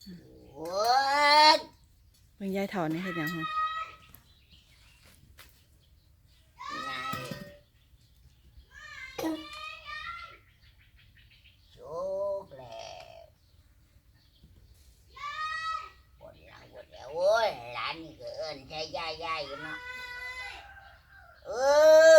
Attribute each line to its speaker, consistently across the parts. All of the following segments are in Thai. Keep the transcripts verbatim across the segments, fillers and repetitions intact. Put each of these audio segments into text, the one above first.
Speaker 1: โอ้ย
Speaker 2: เบิ่งยายเฒ่านี่เฮ็ดหยังฮะ
Speaker 1: ไงโชคแล้วปวดหลังปวดแล้วโอ้ยหลานนี่ก็เอิ้นใช้ย่ายย่ายอยู่เนาะเออ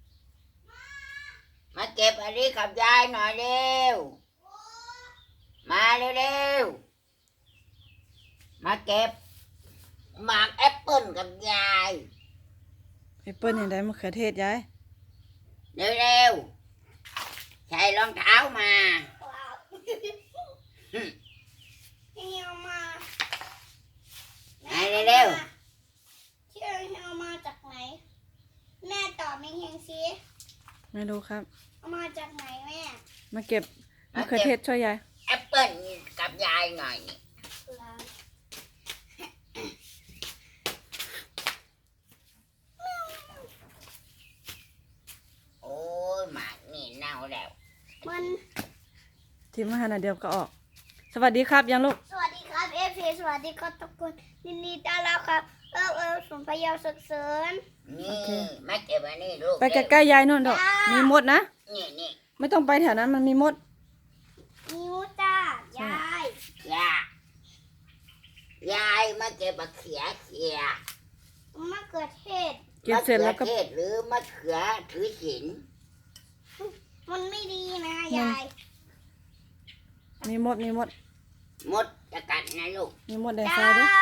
Speaker 1: มาเก็บอันนี้กับยายหน่อยเร็วมาเร็วๆมาเก็บหมากแอปเปิ้ลกับยาย
Speaker 2: แอปเปิ้ลเห็นได้มะเขือเทศยาย
Speaker 1: เร็วๆใส่รองเท้ามา
Speaker 3: เฮียมา
Speaker 1: ไปเร็ว
Speaker 3: เชื่อเฮียมาจากไหนแม่ตอบไม่เฮงสิ
Speaker 2: ไม่รู้ครับ
Speaker 3: เอามาจากไหนแม่
Speaker 2: มาเก็บมะเขือเทศช่วยยาย
Speaker 1: แอปเปิ้ลกับยายหน่อยนี่โอ้ยหมากนี่เน่าแล้ว
Speaker 3: มัน
Speaker 2: ทีมอาหารอันเดียวก็ออก สวัสดีครับยังลูก
Speaker 3: สวัสดีครับเอฟซีสวัสดีครับทุกคนยินดีต้อนรับครับเออเออสมพยาวศึกเสริญ
Speaker 1: นี่มาเก็บอันนี้ลูก
Speaker 2: ไปใกล้ๆยายนู่นดอกมีมดนะ
Speaker 1: นี่นี่
Speaker 2: ไม่ต้องไปแถวนั้นมันมีมด
Speaker 3: นิ้วจ้ายาย
Speaker 1: ยายายมาเก็บมะเขือเขีย
Speaker 3: มะเขือเทศ
Speaker 2: เก็บเสร็จแล้วก็
Speaker 1: มะเขือเทศหรือมะเขือถือศีล
Speaker 3: มันไม่ดีนะยาย
Speaker 2: มีมดมีมด
Speaker 1: มดจะกัดนะลูก
Speaker 2: มีมดแดง
Speaker 3: จ้า
Speaker 2: ไฟด้วย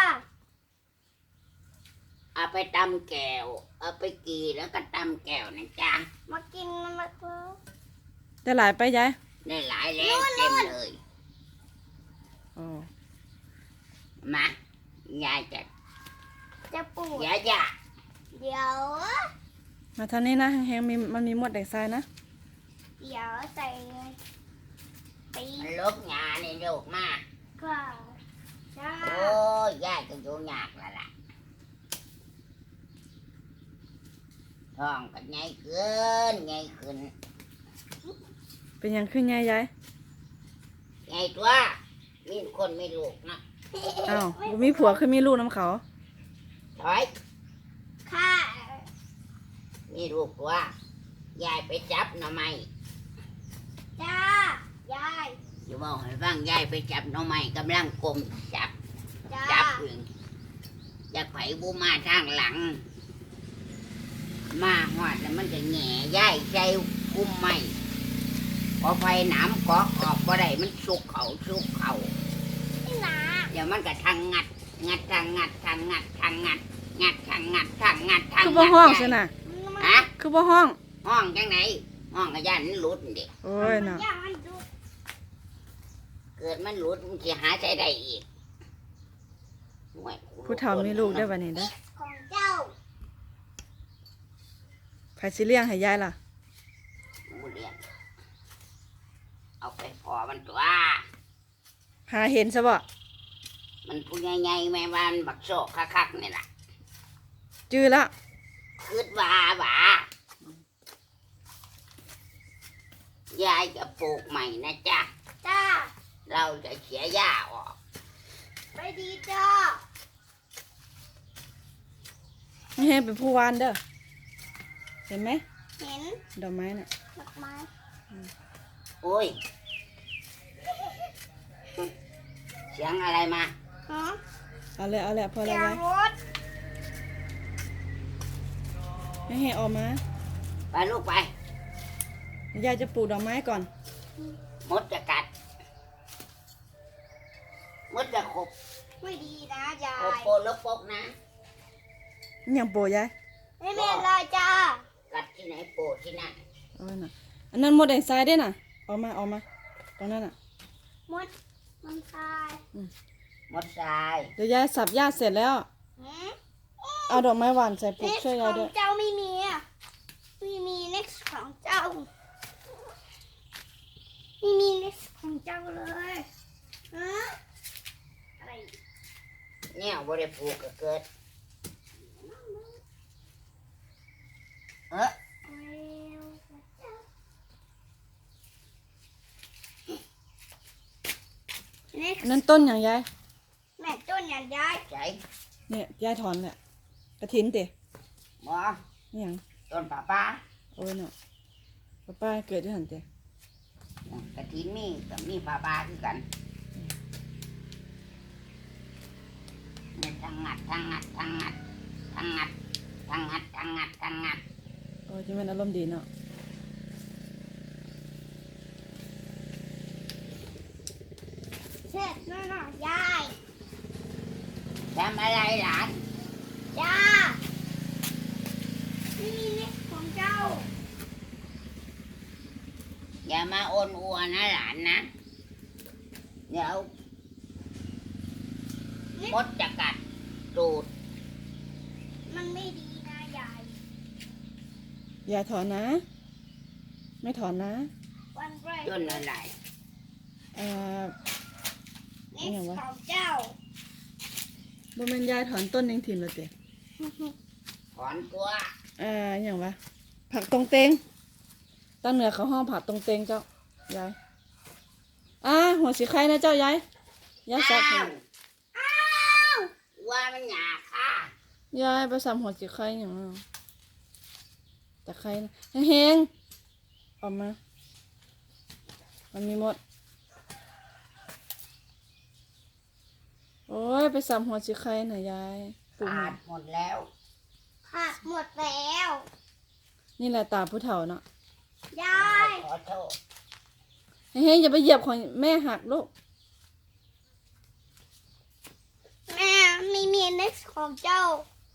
Speaker 1: เอาไปตำแก้วเอาไปกีแล้วก็ตำแก้วนะจ๊ะ
Speaker 3: มากินมะเขือ
Speaker 2: ได้หลายไปยาย
Speaker 1: ได้หลายแล้วเต็มเลย
Speaker 2: อ๋อ
Speaker 1: มายายจะ
Speaker 3: จะปลูก
Speaker 1: ยายจะ
Speaker 3: เดี๋ยว
Speaker 2: มาทางนี้นะแห้งๆมีมันมีมดแดงไฟนะ
Speaker 3: เดี๋ยวใส่ตี
Speaker 1: มันลกงาในลูกมา
Speaker 3: ก่อนจ้า
Speaker 1: โอ้ยยายก็อยู่ยากแล้วล่ะท้องก็ใหญ่เกินใหญ่ขึ้น
Speaker 2: เป็นหยังขึ้นยายยาย
Speaker 1: ใหญ่ตัวมีคนไม่ลูกนะ
Speaker 2: อ้าวบ่มีผัวคือมีลูกน้ำเขา
Speaker 1: ถอย
Speaker 3: ค่ะ
Speaker 1: มีลูกตัวยายไปจับหน่อไม้
Speaker 3: จ้ายาย
Speaker 1: อยู่บอกให้ฟังยายไปจับหน่อไม้กำลังกลมจับ
Speaker 3: จ้า
Speaker 1: จับอยู่อยากไผบูมาทางหลัง มาหอดแล้วมันจะแหง่ย่ายใจกุ้มไม่พอไฟหนามเกาะออกบ่ได้มันสุกเขาสุกเขา
Speaker 3: พี่นา
Speaker 1: เดี๋ยวมันก็ทางงัด งัดทางงัดทางงัดทางงัด งัดทางงัดทางงัดทาง
Speaker 2: คือ
Speaker 1: งั
Speaker 2: บ่
Speaker 1: ด
Speaker 2: ห้อง
Speaker 1: ยาย
Speaker 2: ใช่น่ะ
Speaker 1: ฮะ
Speaker 2: คือบ่ห้อง
Speaker 1: ห้องจังไหนห้องกระยานมันหลุดเด็ก
Speaker 2: โอ้ยน่ะ
Speaker 3: ย่ามันดู
Speaker 1: เกิดมันหลุดมันจะหาใช้ได้อีกโอ้ย
Speaker 2: ผู้เฒ่ามีลูกได้อบัดนี้เด้อ
Speaker 3: ของเจ้า
Speaker 2: ไผสิเลี้ยงให้ยายล่ะ
Speaker 1: หมูเลี้ยงเอาไปพอมันตัว
Speaker 2: หาเห็นซะบ่
Speaker 1: มันผู้ใหญ่ๆแม่บ้านบักโซกคักๆนี่แหละ
Speaker 2: จื้อแล้ว
Speaker 1: คืดว่าหว่ายายจะปลูกใหม่นะจ๊ะ
Speaker 3: จ้า
Speaker 1: เราจะเสียหญ้าออก
Speaker 3: ไปดีจ้า
Speaker 2: นี่ให้เป็นผู้วานเด้อเห็นไหม
Speaker 3: เห็น
Speaker 2: ดอกไม้น่ะ
Speaker 3: ดอกไม้
Speaker 1: โอ้ย เสียงอะไรมา
Speaker 3: ฮะ
Speaker 2: เอาเลยเอาเลยพอ
Speaker 3: เสี
Speaker 2: แล้ว
Speaker 3: ยง
Speaker 2: ยาย
Speaker 3: รถ
Speaker 2: ให้ให้ออกมา
Speaker 1: ไปลูกไป
Speaker 2: ยายจะปลูกดอกไม้ก่อน
Speaker 1: มดจะกัด มดจะขบ
Speaker 3: ไม่ดีนะยา
Speaker 1: ขบ
Speaker 3: ย
Speaker 1: โปนแล้วปกนะ
Speaker 2: อิหยังโปรยาย
Speaker 3: ไม่เป็นไรจ้า
Speaker 1: กัดที่ไหนโปดที่นั่น
Speaker 2: เอาไว้น่ะอันนั้นมดแดงทรายเด้น่ะออกมาออกมาตรงนั้นน่ะ
Speaker 3: มดมันตาย
Speaker 1: มดทราย
Speaker 2: เดี๋ยวยายสับหญ้าเสร็จแล้ว
Speaker 3: หืม
Speaker 2: เอาดอกไม้หวานใส่ปลูก
Speaker 3: next
Speaker 2: ช่วย
Speaker 3: ข
Speaker 2: ยาย
Speaker 3: อ
Speaker 2: ด้ว
Speaker 3: ง
Speaker 2: ย
Speaker 3: เจ้าไม่มีอ่ะไม่มี next ของเจ้าไม่มี next ของเจ้าเลยฮะอะไร
Speaker 1: เนี่ยบ่ได้ปลูกก็เกิด เออ
Speaker 3: next
Speaker 2: อันนั้นต้นอย่างยาย
Speaker 3: แม่ต้นอย่างยาย
Speaker 1: ใจ
Speaker 2: เนี่ยยายถอนแหละกระถินเตะ
Speaker 1: หมอ
Speaker 2: นี่หยัง
Speaker 1: ต้นป่าป้า
Speaker 2: โอ้ยเนาะป้าป้าเกิดที่หันเตะ
Speaker 1: กระถินมีกับมีป่าป้าคือกันเนี่ยทั้งงัดทั้งงัดทั้งงัดทั้งงัดทั้งงัดทั้งงัดทั้งงัด
Speaker 2: โอ้ยที่มันอารมณ์ดีเนาะ
Speaker 3: เสร็จแล้วนะยาย
Speaker 1: ทำอะไรหลาน
Speaker 3: ยานี่นี่ของเจ้า
Speaker 1: อย่ามาโอนอัวนะหลานนะเดี๋ยว
Speaker 3: นี่
Speaker 1: มดจะกัดตูด
Speaker 3: มันไม่ดีนะยาย
Speaker 2: อย่าถอนนะ ไม่ถอนนะ
Speaker 3: วันแรก
Speaker 1: ต้นอะไร
Speaker 2: เอ่อ
Speaker 3: นี่
Speaker 2: อย่างวะ
Speaker 3: ของเจ้า
Speaker 2: บ่แม่นยายถอนต้นยังถิ่มแล้วเตะ
Speaker 1: ถอนตัว
Speaker 2: เอ่ออย่างวะผักตรงเตงตั้งเหนือเขาห้องผักตรงเตงเจ้ายายอ่าหัวสีไข่นะเจ้ายายยายสับ
Speaker 1: อ้าวอ้าวว่ามันหยาค่ะ
Speaker 2: ยายไปสับหัวสีไข่อย่างนั้นแต่ไข่นะแห้งๆออกมา มันมีหมด โอ้ยไปสับหัวสีไข่หน่อยยายปลูกห
Speaker 1: ขา
Speaker 2: น่อ
Speaker 1: ด
Speaker 2: ย
Speaker 1: หมดแล้ว
Speaker 3: หักหมดแล้ว
Speaker 2: นี่แหละตาผู้เฒ่าเนาะ
Speaker 3: ยาย
Speaker 1: ขอโทษ
Speaker 2: เฮ้ยอย่าไปเหยียบของแม่หักลูก
Speaker 3: แม่ไม่มีเน็กของเจ้า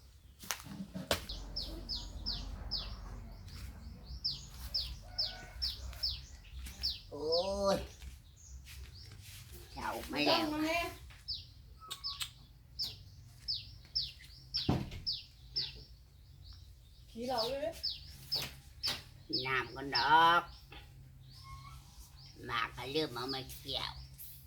Speaker 1: โอ้ยเฉาไม่แล้ว
Speaker 2: ขี้เหล่าเลย
Speaker 1: น้ำกันดอกหมากก็เริ่มเอามาเกี่ยว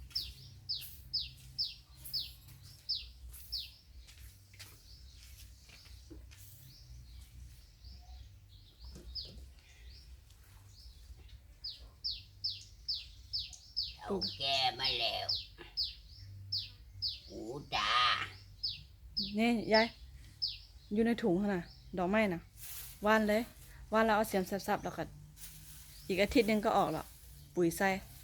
Speaker 1: เอาแก่มาแล้วหูตา
Speaker 2: นี่ยายอยู่ในถุงขนาดดอกไม้นะว่านเลยว่านแล้วเอาเสียมสับๆแล้วก็อีกอาทิตย์หนึงก็ออกแล้วปุ๋ยใส่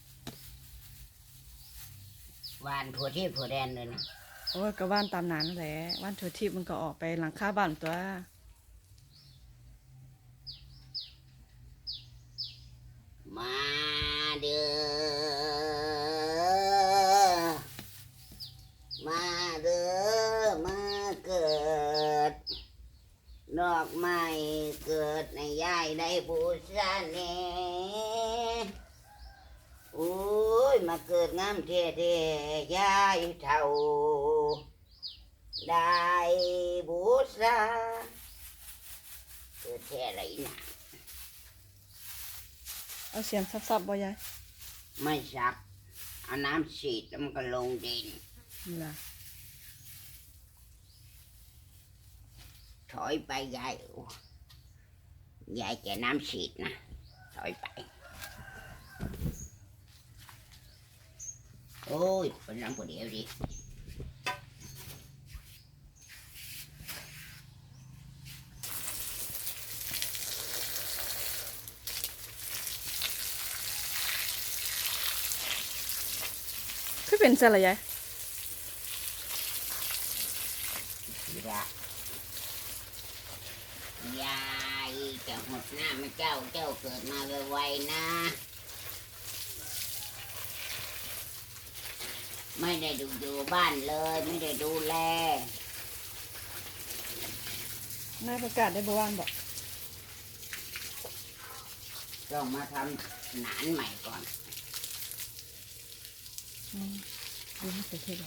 Speaker 1: วานทั่วที่ทั่วแดนเลยนะ
Speaker 2: โอ้ยก็ว่านตามนั้นนั่นแหละว่านถั่วทิพย์มันก็ออกไปหลังคาบ้านตัว
Speaker 1: มาเด้อมาเด้อมาเกิด ดอกไม้เกิดในยายได้บูชาเนโอ้ยมาเกิดงามเท่เท่ยายเท่า ได้บูชาเกิดแท่อะไรนะ
Speaker 2: เอาเสียมสับๆบ่ยาย
Speaker 1: ไม่สักเอาน้ำฉีดแล้วมันก็ลงดิน
Speaker 2: นี่ล่ะ
Speaker 1: ถอยไปยายโอ้ยายแกน้ำฉีดนะถอยไป โอ้ยเป็นน้ำคนเดียวดิ
Speaker 2: คือเป็นซะละยาย
Speaker 1: ยายยายจะหดหน้ามาเจ้าเจ้าเกิดมาไวๆนะ ไม่ได้ดูอยู่บ้านเลย ไม่ได้ดูแล
Speaker 2: นายประกาศได้บ่ว่านบอก
Speaker 1: ต้องมาทำหนานใหม่ก่อน
Speaker 2: อืมดูไม่เสร็จเลย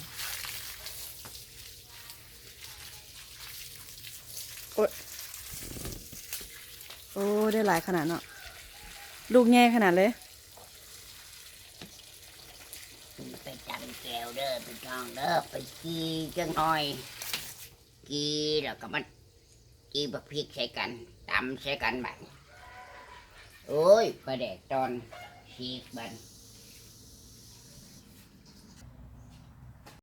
Speaker 2: โอ้ยโอ้ได้หลายขนาดเนาะลูกแง่ขนาดเลย
Speaker 1: ไปจับแก้วเด้อไปทองเด้อไปกีจังหน่อย กีแล้วก็มันกีบักพริกใช้กันตำใช้กันบัดโอ้ยประเด็กตอนชีกบัน